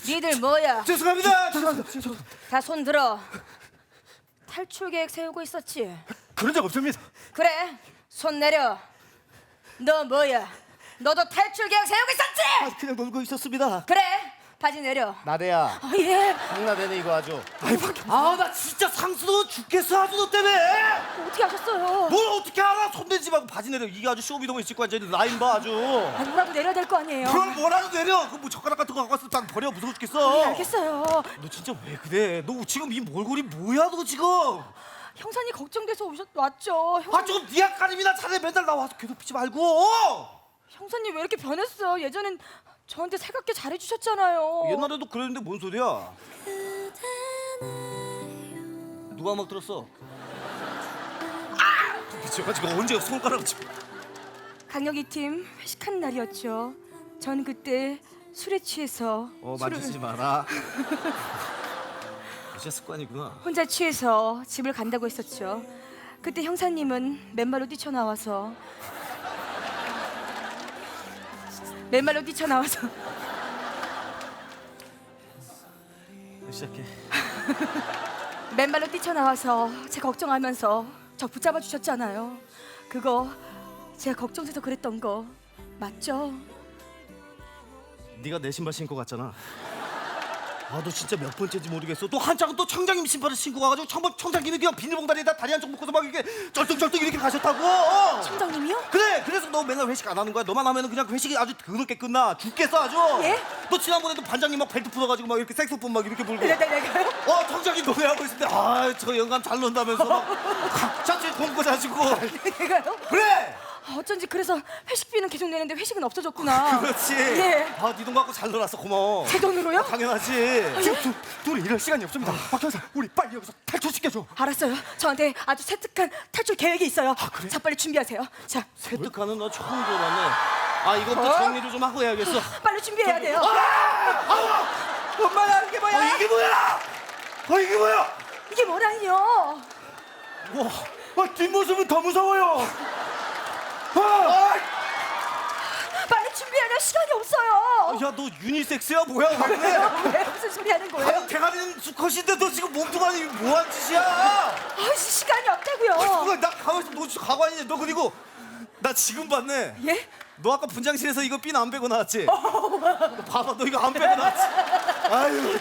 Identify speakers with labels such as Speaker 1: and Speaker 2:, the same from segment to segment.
Speaker 1: 니들 뭐야?
Speaker 2: 죄송합니다.
Speaker 1: 다 손 들어. 탈출 계획 세우고 있었지?
Speaker 2: 그런 적 없습니다.
Speaker 1: 그래, 손 내려. 너 뭐야? 너도 탈출 계획 세우고 있었지?
Speaker 2: 그냥 놀고 있었습니다.
Speaker 1: 그래, 바지 내려.
Speaker 3: 나대야
Speaker 1: 예.
Speaker 3: 장나대네 이거 아주.
Speaker 2: 나 진짜 상스러워 죽겠어 아주 너 때문에.
Speaker 1: 어떻게 하셨어요?
Speaker 2: 뭘 어떻게 알아? 손대지 말고 바지 내려. 이게 아주 쇼미더머니 찍고 앉아있는 라인 봐 아주.
Speaker 1: 뭐라도 내려야 될 거 아니에요?
Speaker 2: 그걸 뭐라도 내려. 그 뭐 젓가락 같은 거 갖고 왔으면 딱 버려. 무서워 죽겠어.
Speaker 1: 알겠어요.
Speaker 2: 너 진짜 왜 그래? 너 지금 이 몰골이 뭐야 너 지금?
Speaker 1: 형사님 걱정돼서 왔죠.
Speaker 2: 조금 네 앞가림이나 차라리 맨날 나와서 괴롭히지 말고.
Speaker 1: 형사님 왜 이렇게 변했어? 예전엔 저한테 살갑게 잘해주셨잖아요.
Speaker 2: 옛날에도 그랬는데 뭔 소리야? 누가 막 들었어? 미쳐가지고 언제 손가락을 치?
Speaker 1: 강력이 팀 회식한 날이었죠. 전 그때 술에 취해서
Speaker 2: 만지지 마라. 진짜 습관이구나.
Speaker 1: 혼자 취해서 집을 간다고 했었죠. 그때 형사님은 맨발로 뛰쳐나와서
Speaker 2: 시작해.
Speaker 1: 맨발로 뛰쳐나와서 제 걱정하면서 저 붙잡아 주셨잖아요. 그거 제가 걱정돼서 그랬던 거 맞죠?
Speaker 2: 네가 내 신발 신고 갔잖아. 너 진짜 몇 번째인지 모르겠어. 또 한짝은 또 청장님 신발을 신고 가가지고 청장님이 그냥 비닐봉다리에다 다리 한쪽 묶어서 막 이렇게 쩔뚝쩔뚝 이렇게 가셨다고.
Speaker 1: 청장님이요?
Speaker 2: 그래, 그래서 너 맨날 회식 안 하는 거야. 너만 하면은 그냥 회식이 아주 더럽게 끝나. 죽겠어 아주.
Speaker 1: 예?
Speaker 2: 너 지난번에도 반장님 막 벨트 풀어가지고 막 이렇게 색소폰 막 이렇게 불고.
Speaker 1: 내가요?
Speaker 2: 청장님 노래하고 있을 때 저 영감 잘 논다면서 막 자체 공고 자시고.
Speaker 1: 내가요?
Speaker 2: 그래.
Speaker 1: 어쩐지 그래서 회식비는 계속 내는데 회식은 없어졌구나.
Speaker 2: 그렇지.
Speaker 1: 예.
Speaker 2: 네 돈 갖고 잘 놀았어. 고마워.
Speaker 1: 제 돈으로요?
Speaker 2: 당연하지.
Speaker 1: 지금
Speaker 2: 둘이 이럴 시간이 없습니다. 박 형사, 우리 빨리 여기서 탈출시켜줘.
Speaker 1: 알았어요. 저한테 아주 세특한 탈출 계획이 있어요.
Speaker 2: 그래?
Speaker 1: 자, 빨리 준비하세요. 자,
Speaker 2: 세특하는 너 처음 들어봤네. 이것도 정리를 좀 하고 해야겠어.
Speaker 1: 빨리 준비해야 돼요.
Speaker 2: 엄마야, 이게 뭐야? 이게 뭐야? 이게 뭐야?
Speaker 1: 이게 뭐라니요?
Speaker 2: 뒷모습은 더 무서워요.
Speaker 1: 빨리 준비해야 돼요. 시간이 없어요.
Speaker 2: 야, 너 유니섹스야 뭐야?
Speaker 1: 왜 무슨 소리 하는 거예요?
Speaker 2: 대가리는 수컷인데 너 지금 몸뚱아니 뭐한 짓이야?
Speaker 1: 시간이 없다고요.
Speaker 2: 나 가만있어. 너 진짜 가관이냐? 너 그리고 나 지금 봤네.
Speaker 1: 예?
Speaker 2: 너 아까 분장실에서 이거 핀 안 빼고 나왔지? 너 봐봐, 너 이거 안 빼고 나왔지? 아유.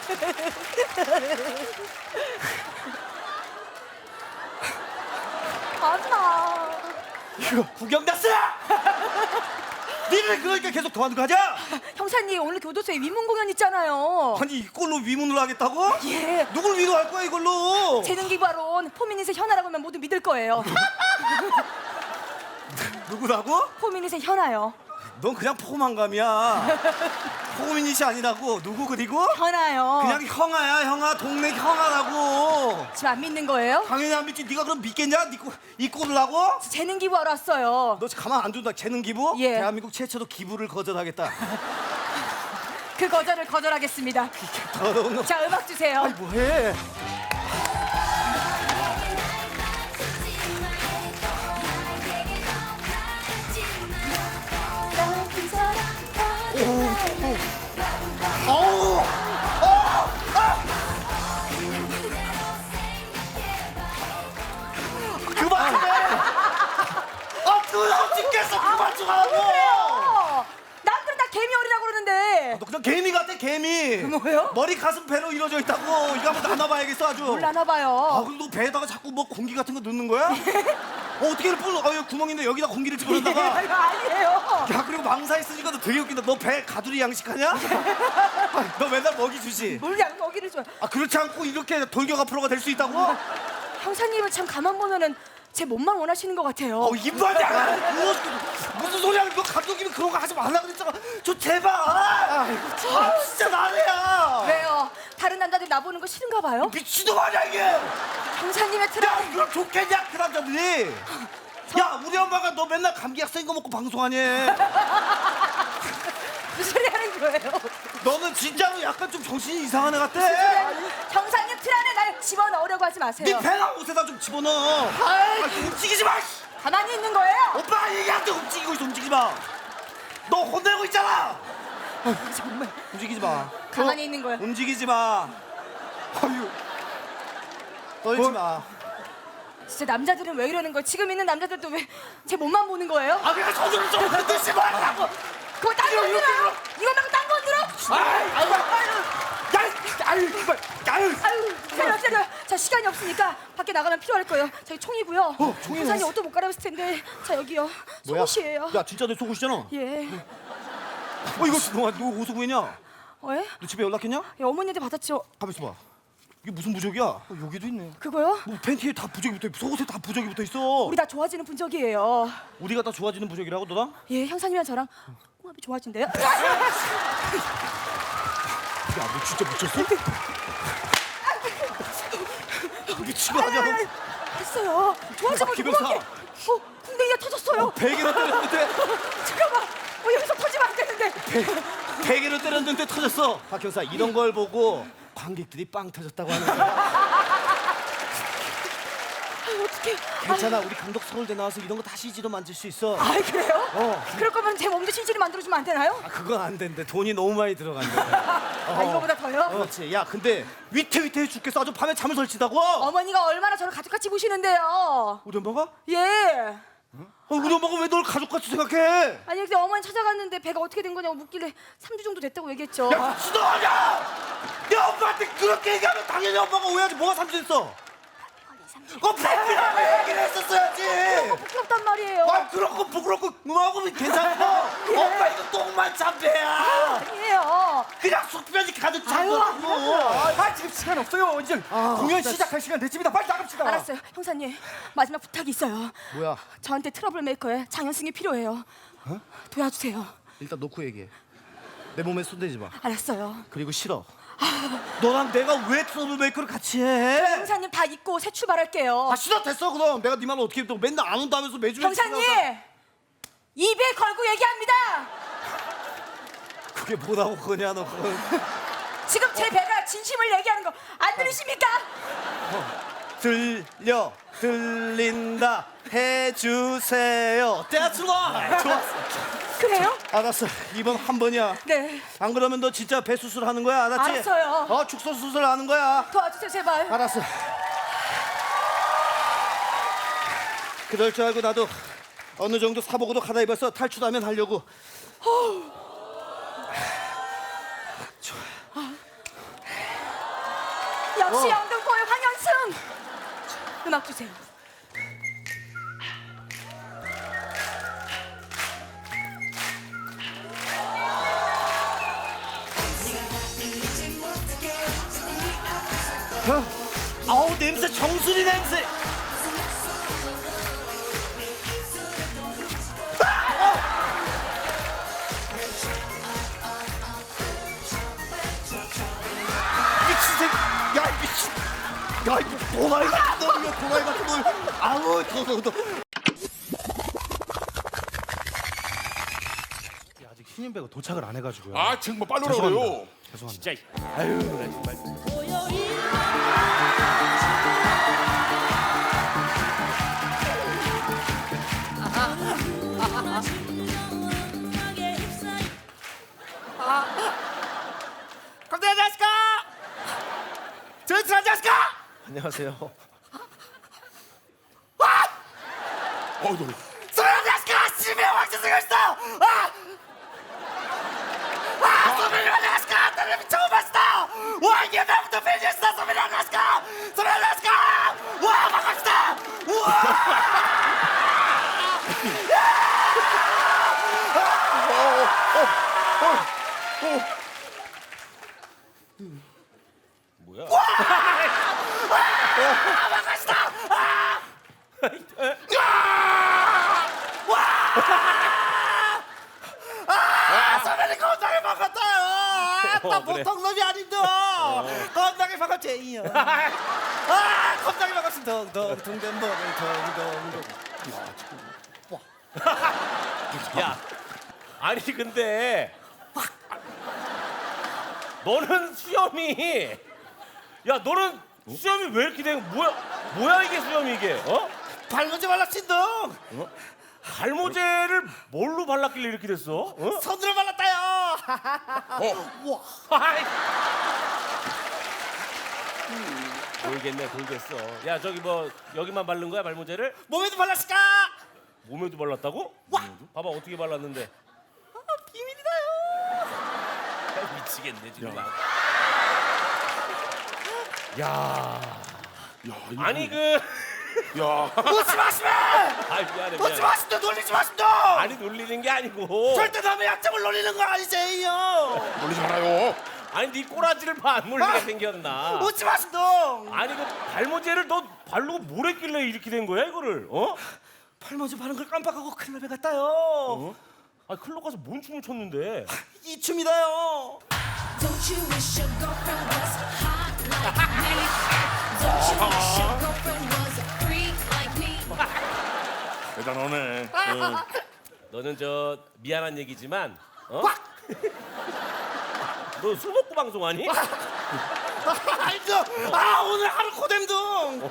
Speaker 1: 안나.
Speaker 2: 이거 구경 났어! 니네 그러니까 계속 더하는 거 하자?
Speaker 1: 형사님 오늘 교도소에 위문 공연 있잖아요.
Speaker 2: 아니 이걸로 위문을 하겠다고?
Speaker 1: 예.
Speaker 2: 누굴 위로할 거야 이걸로?
Speaker 1: 재능 기부하러 포미닛의 현아라고 하면 모두 믿을 거예요.
Speaker 2: 누구라고?
Speaker 1: 포미닛의 현아요.
Speaker 2: 넌 그냥 포만감이야. 포미닛이 아니라고. 누구 그리고?
Speaker 1: 현아요.
Speaker 2: 그냥 형아야. 형아. 동네 형아라고.
Speaker 1: 지금 안 믿는 거예요?
Speaker 2: 당연히 안 믿지. 네가 그럼 믿겠냐? 이 꼴을 하고?
Speaker 1: 재능 기부하러 왔어요.
Speaker 2: 너 가만 안 둔다. 재능 기부?
Speaker 1: 예.
Speaker 2: 대한민국 최초로 기부를 거절하겠다.
Speaker 1: 그 거절을 거절하겠습니다.
Speaker 2: 더러운 놈.
Speaker 1: 자, 음악 주세요.
Speaker 2: 뭐해? 어우! 그만해! 더러워 죽겠어! 그만 좀 하라고!
Speaker 1: 남들은 다 개미 어리라고 그러는데.
Speaker 2: 너 그냥 개미 같아, 개미!
Speaker 1: 뭐요?
Speaker 2: 머리, 가슴, 배로 이루어져 있다고! 이거 한번 나눠봐야겠어, 아주!
Speaker 1: 몰라나 봐요.
Speaker 2: 그럼 너 배에다가 자꾸 뭐 공기 같은 거 넣는 거야? 어떻게 이렇게 여기 구멍인데 여기다 공기를 집어넣다가
Speaker 1: 이거 아니에요.
Speaker 2: 야, 그리고 망사 있으니까 너 되게 웃긴다. 너 배 가두리 양식하냐? 너 맨날 먹이 주지?
Speaker 1: 뭘 양 먹이를 줘.
Speaker 2: 그렇지 않고 이렇게 돌격 앞으로가 될 수 있다고?
Speaker 1: 형사님은 참 가만 보면은 제 몸만 원하시는 것 같아요.
Speaker 2: 입마냐? 무슨 소리야? 너 감독님이 그런 거 하지 말라 그랬잖아. 제발. 진짜 나래야.
Speaker 1: 왜요? 다른 남자들 나 보는 거 싫은가 봐요?
Speaker 2: 미친놈 아니야 이게?
Speaker 1: 형사님의 트라.
Speaker 2: 야, 그럼 좋겠냐 그 남자들이? 야, 우리 엄마가 너 맨날 감기 약 쓴 거 먹고 방송하니?
Speaker 1: 무슨 소리 하는 거예요?
Speaker 2: 너는 진짜로 약간 좀 정신이 이상한 애 같아.
Speaker 1: 형사님 틀 안에 날 집어넣으려고 하지 마세요.
Speaker 2: 네 배나 옷에다 좀 집어넣어. 움직이지 마.
Speaker 1: 가만히 있는 거예요?
Speaker 2: 오빠 얘기한테 움직이고 있어. 움직이지 마. 너 혼내고 있잖아.
Speaker 1: 정말
Speaker 2: 움직이지 마.
Speaker 1: 가만히 있는 거야.
Speaker 2: 움직이지 마. 아유. 떨지 마.
Speaker 1: 진짜 남자들은 왜 이러는 거야? 지금 있는 남자들도 왜 제 몸만 보는 거예요?
Speaker 2: 아 그냥 손으로 좀 흔들지 말라고.
Speaker 1: 그거 딴거 흔들어요? 이거 말고 딴거 흔들어?
Speaker 2: 아유 정말. 아유.
Speaker 1: 아유, 때려. 자, 시간이 없으니까 밖에 나가면 필요할 거예요. 저희 총이고요.
Speaker 2: 총이
Speaker 1: 형사님
Speaker 2: 나왔어.
Speaker 1: 옷도 못 갈아입을 텐데. 자, 여기요.
Speaker 2: 뭐야?
Speaker 1: 속옷이에요.
Speaker 2: 야 진짜 내 속옷이잖아.
Speaker 1: 예.
Speaker 2: 이거 너 어디서 구했냐?
Speaker 1: 예?
Speaker 2: 너 집에 연락했냐?
Speaker 1: 예, 어머니한테 받았죠.
Speaker 2: 가만 있어봐. 이게 무슨 부적이야? 여기도 있네.
Speaker 1: 그거요?
Speaker 2: 뭐 팬티에 다 부적이 붙어 있고 속옷에 다 부적이 붙어 있어.
Speaker 1: 우리 다 좋아지는 분적이에요.
Speaker 2: 우리가 다 좋아지는 부적이라고 너랑?
Speaker 1: 예, 형사님이랑 저랑 궁합이 좋아진대요.
Speaker 2: 야 너 진짜 미쳤어? 미친 거 아니야? 너?
Speaker 1: 했어요. 좋아지면
Speaker 2: 김영사.
Speaker 1: 궁합이. 궁뎅이가 터졌어요.
Speaker 2: 베개로 때렸는데
Speaker 1: 잠깐만. 여기서 터지면 안 되는데.
Speaker 2: 베개로 때렸는데 터졌어. 박 형사 이런 걸 보고 관객들이 빵 터졌다고 하는 거야.
Speaker 1: 어떡해.
Speaker 2: 괜찮아 우리 감독 서울대 나와서 이런 거 다 CG로 만들 수 있어.
Speaker 1: 아, 그래요?
Speaker 2: 어.
Speaker 1: 그럴 거면 제 몸도 CG를 만들어주면 안 되나요?
Speaker 2: 아 그건 안 된대. 돈이 너무 많이 들어간대.
Speaker 1: 아, 이거보다 더요?
Speaker 2: 그렇지. 야 근데 위태위태해 죽겠어. 아주 밤에 잠을 설치다고.
Speaker 1: 어머니가 얼마나 저를 가족같이 보시는데요.
Speaker 2: 우리 엄마가?
Speaker 1: 예.
Speaker 2: 우리 엄마가 왜 널 가족같이 생각해?
Speaker 1: 아니 근데 어머니 찾아갔는데 배가 어떻게 된 거냐고 묻길래 3주 정도 됐다고 얘기했죠.
Speaker 2: 야 미친놈아니야! 내 엄마한테 그렇게 얘기하면 당연히 엄마가 오해하지. 뭐가 삼촌했어? 팬이라고 얘기를 했었어야지.
Speaker 1: 부끄럽단 말이에요.
Speaker 2: 아 그런 거 부끄럽고 뭐하고 괜찮고. 엄마 이거 똥만 참배야.
Speaker 1: 아니에요.
Speaker 2: 그냥 속편이 가득 찬
Speaker 1: 아유,
Speaker 2: 거라고.
Speaker 3: 아 지금 시간 없어요. 이제 공연 시작할 시간 됐습니다. 빨리 나갑시다.
Speaker 1: 알았어요. 형사님 마지막 부탁이 있어요.
Speaker 2: 뭐야?
Speaker 1: 저한테 트러블 메이커의 장현승이 필요해요. 도와주세요.
Speaker 2: 일단 놓고 얘기해. 내 몸에 손대지 마.
Speaker 1: 알았어요.
Speaker 2: 그리고 싫어. 너랑 내가 왜 트러블메이커를 같이 해?
Speaker 1: 형사님 다 잊고 새 출발할게요.
Speaker 2: 아 싫어 됐어 그럼. 내가 네 말을 어떻게 해? 또 맨날 안 온다면서 매주
Speaker 1: 형사님 입에 걸고 얘기합니다.
Speaker 2: 그게 뭐라고 그거냐 너 그건.
Speaker 1: 지금 제 배가 진심을 얘기하는 거 안 들리십니까?
Speaker 2: 들린다 해주세요. That's right. 좋았어.
Speaker 1: 그래요?
Speaker 2: 알았어. 이번 한 번이야.
Speaker 1: 네.
Speaker 2: 안 그러면 너 진짜 배 수술하는 거야 알았지?
Speaker 1: 알았어요.
Speaker 2: 축소 수술하는 거야.
Speaker 1: 도와주세요 제발.
Speaker 2: 알았어. 그럴 줄 알고 나도 어느 정도 사복으로 갈아입어서 탈출하면 하려고.
Speaker 1: 역시 영등포의 황현승. 음악 주세요.
Speaker 2: 아우 냄새 정수리 냄새. 미친 새. 야 미친. 야 이거 도라이 같은 놈이야 도라이 같은 놈. 아우 더.
Speaker 3: 아직 신인 배가 도착을 안 해가지고요.
Speaker 4: 아 정말 빨리 오라고요.
Speaker 3: 죄송합니다.
Speaker 4: 진짜
Speaker 3: 아유, 나 정말.
Speaker 2: 깜짝이야 자식아. 전투 자식아. 안녕하세요.
Speaker 4: 어 노래.
Speaker 2: 소련 자식아 집에 왕자 생겼어. 소련 자식아 나를 처음 봤어. 와 이게 나부터 팬이었어. 소련 자식아. 소련 자식아. 와 반갑다.
Speaker 4: 뭐야?
Speaker 2: 소련이 건강히 반갑다요. 나
Speaker 4: 그래.
Speaker 2: 보통 놈이 아닌데. 건강히 반갑지. 건강히 반갑습니다. 동동동된 머리 동동동.
Speaker 4: 야, 아니 근데 너는 수염이 야 너는 수염이 왜 이렇게 된 뭐야 이게 수염이 이게 어?
Speaker 2: 발로지 말라 신동.
Speaker 4: 갈모제를 뭘로 발랐길래 이렇게 됐어? 어?
Speaker 2: 손으로 발랐다요.
Speaker 4: 아이. 돌겠네 돌겠어. 야 저기 뭐 여기만 바른 거야 발모제를?
Speaker 2: 몸에도 발랐을까?
Speaker 4: 몸에도 발랐다고? 봐봐 어떻게 발랐는데?
Speaker 2: 비밀이다요.
Speaker 4: 미치겠네 정말. 야.
Speaker 5: 야, 이거
Speaker 4: 아니 그.
Speaker 5: 야,
Speaker 2: 웃지 마시면.
Speaker 4: 아 미안해
Speaker 2: 웃지
Speaker 4: 미안해.
Speaker 2: 마십니다. 놀리지 마십니다.
Speaker 4: 아니 놀리는 게 아니고.
Speaker 2: 절대 남의 약점을 놀리는 거 아니세요.
Speaker 5: 놀리지 말아요.
Speaker 4: 아니 네 꼬라지를 봐 안 놀리게 생겼나?
Speaker 2: 웃지 마십니다.
Speaker 4: 아니 그 발모제를 너 바르고 뭘 했길래 이렇게 된 거야 이거를? 어?
Speaker 2: 팔모지 바른 걸 깜빡하고 클럽에 갔다요.
Speaker 4: 어? 아 클럽 가서 뭔 춤을 췄는데?
Speaker 2: 이 춤이다요.
Speaker 6: Don't you wish your girlfriend was hot like me? Don't you wish your girlfriend was a freak like me?
Speaker 5: 대단하네.
Speaker 4: 너는 저 미안한 얘기지만 어? 너 술 먹고 방송하니?
Speaker 2: 알죠? 오늘 하루 코뎀둥.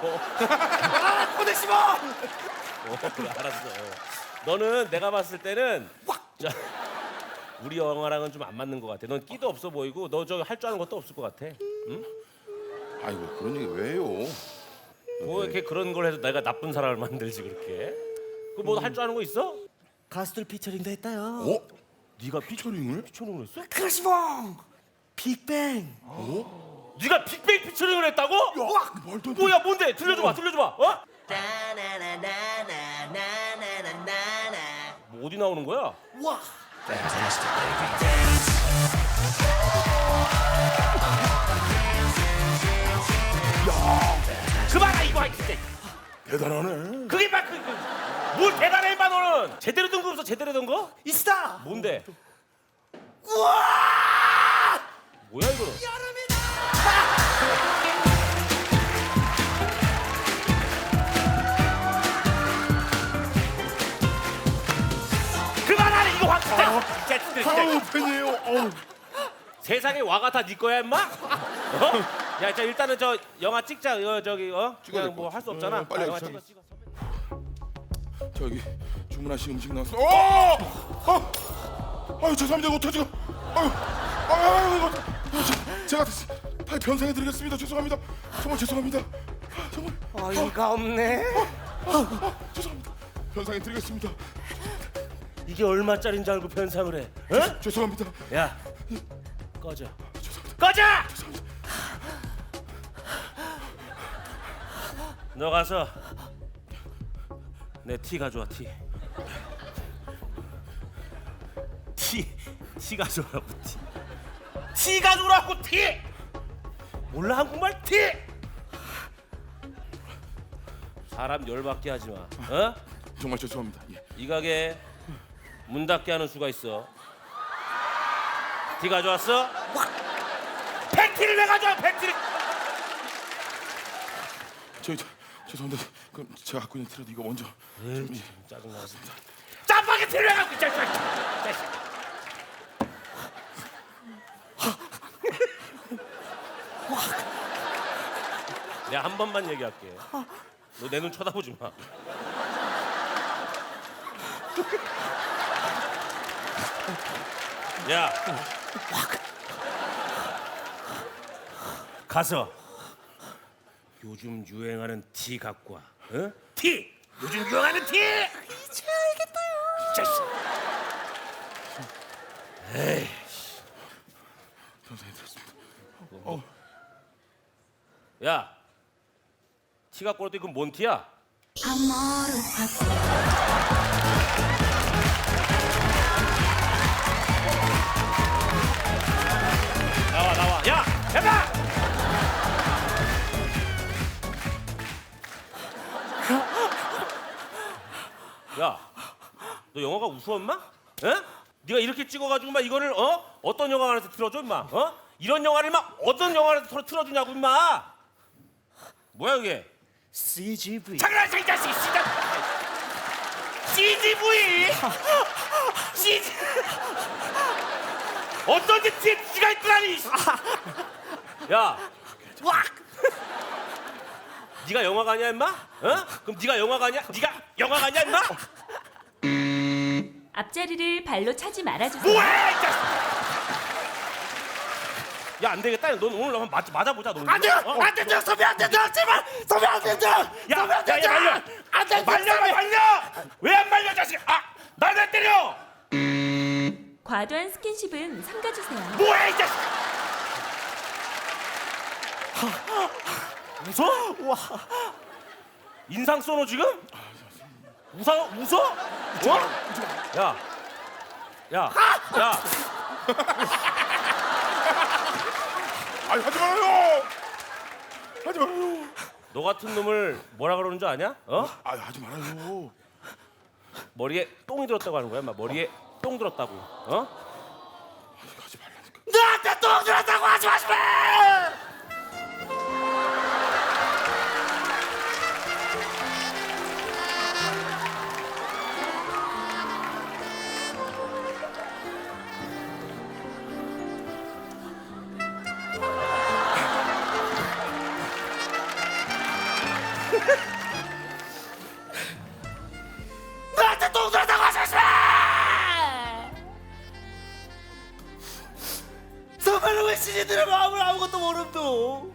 Speaker 2: 코데시범.
Speaker 4: 그래, 알았어. 너는 내가 봤을 때는 자, 우리 영화랑은 좀 안 맞는 것 같아. 넌 끼도 없어 보이고 너 저 할 줄 아는 것도 없을 것 같아.
Speaker 5: 아이고 그런 얘기 왜요?
Speaker 4: 뭐 이렇게 그런 걸 해서 내가 나쁜 사람을 만들지 그렇게. 그 뭐 할 줄 아는 거 있어?
Speaker 2: 가수들 피처링도 했다요.
Speaker 5: 어?
Speaker 4: 네가
Speaker 5: 피처링을?
Speaker 4: 피처링을 했어?
Speaker 2: 크러시봉. 빅뱅.
Speaker 4: 네가 빅뱅 피처링을 했다고?
Speaker 5: 말도 안 돼.
Speaker 4: 뭐야 뭔데? 들려줘봐 들려줘봐. 어? 뭐 어디 나오는 거야?
Speaker 2: 와.
Speaker 4: 그만아 이거 할 때.
Speaker 5: 대단하네.
Speaker 4: 그게 막 뭘 대단해 임마 너는. 제대로 된 거 없어 제대로 된 거?
Speaker 2: 있다.
Speaker 4: 뭔데?
Speaker 2: 우와.
Speaker 4: 뭐야 이거는? 그만하래 이거 확 진짜.
Speaker 5: 아우 팬이에요. 어우.
Speaker 4: 세상에 와가 다 네 거야 임마? 어? 야, 자 일단은 저 영화 찍자. 저기 그냥 뭐 할 수 없잖아.
Speaker 5: 빨리
Speaker 4: 영화
Speaker 5: 저기.
Speaker 4: 찍어.
Speaker 5: 저기 주문하신 음식 나왔어. 어! 아유 죄송합니다. 이거 어떡하지? 아유 이거 제가 다 변상해 드리겠습니다. 죄송합니다. 정말 죄송합니다. 정말
Speaker 4: 어이가 없네.
Speaker 5: 죄송합니다. 변상해 드리겠습니다.
Speaker 4: 이게 얼마짜리인 줄 알고 변상을 해? 어?
Speaker 5: 죄송합니다.
Speaker 4: 야, 꺼져.
Speaker 5: 죄송합니다.
Speaker 4: 꺼져! 너 가서 내 티 가져와 티. 티 가져오라고 티. 티 가져오라고 티. 몰라 한국말 티. 사람 열받게 하지 마. 어?
Speaker 5: 정말 죄송합니다. 예.
Speaker 4: 이 가게 문 닫게 하는 수가 있어. 티 가져왔어? 팬티를 왜 가져와 팬티를?
Speaker 5: 죄송합니다. 그럼 제가 갖고 있는 티라도 이거 먼저 좀, 예.
Speaker 4: 짜증나습니다. 짜파게티를 왜 갖고 있자. 내가 한 번만 얘기할게. 너 내 눈 쳐다보지 마. 야, 가서 요즘 유행하는 티 갖고 와. 어? 티! 요즘 유행하는 티! 이제 알겠다요. 자식. 에이.
Speaker 5: 변상해 드렸습니다.
Speaker 4: 야, 티 갖고 왔더니 그건 뭔 티야? 나와. 야, 해봐! 야, 너 영화가 우스워 임마? 에? 네가 이렇게 찍어가지고 막 이거를 어떤 영화관에서 틀어줘 임마? 이런 영화를 막 어떤 영화관에서 틀어주냐고 임마? 뭐야 이게?
Speaker 2: CGV.
Speaker 4: 장난쳐 이 자식 씨가 CGV CG 어떤 게 티가 있더라니. 야, 네가 영화관이야 임마? 그럼 네가 영화관이야? 네가 영화관이야 임마?
Speaker 7: 앞자리를 발로 차지 말아주세요.
Speaker 4: 뭐해 이 자식! 야 안 되겠다. 넌 오늘 한번 맞아보자. 너.
Speaker 2: 안 돼요! 안 된다! 선배 안 된다! 제발! 선배 안 된다! 선배 안 된다!
Speaker 4: 말려.
Speaker 2: 안 된다!
Speaker 4: 말려. 왜 안 말려 자식? 날 왜 때려?
Speaker 7: 과도한 스킨십은 삼가주세요.
Speaker 4: 뭐야 이 자식? 웃어?
Speaker 2: 와.
Speaker 4: 인상 쏘노 지금? 웃어? 어? 야.
Speaker 5: 아니 하지 말아요. 하지 말아요.
Speaker 4: 너 같은 놈을 뭐라 그러는 줄 아냐? 어?
Speaker 5: 아 하지 말아요.
Speaker 4: 머리에 똥이 들었다고 하는 거야? 막 머리에 똥 들었다고. 어?
Speaker 5: 하지 말라니까.
Speaker 2: 나한테 똥 들었다고 하지 마시면! 나한테 똥 들었다고 하지 마시면! 정말로 왜 신이들의 마음을 아무것도 모름도?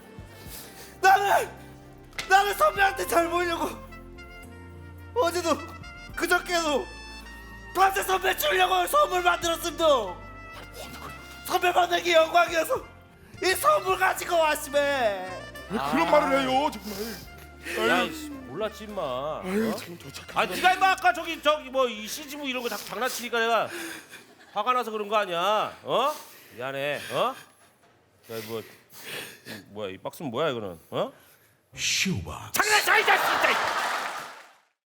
Speaker 2: 나는 선배한테 잘 보이려고 어제도 그저께도 밤새 선배 주려고 선물 만들었습니다. 선배 만나기 영광이어서 이 선물 가지고 왔으면.
Speaker 5: 왜 그런 말을 해요 정말.
Speaker 4: 야
Speaker 5: 아유,
Speaker 4: 이씨, 몰랐지 임마.
Speaker 5: 아유 참 도착.
Speaker 4: 아 네가 임마 아까 저기 뭐 이 CGV 이런 거 자꾸 장난치니까 내가 화가 나서 그런 거 아니야? 어? 미안해. 어? 야 뭐야 이 박스는 뭐야 이거는? 어? 슈바. 장난쳐 이 자식 진짜.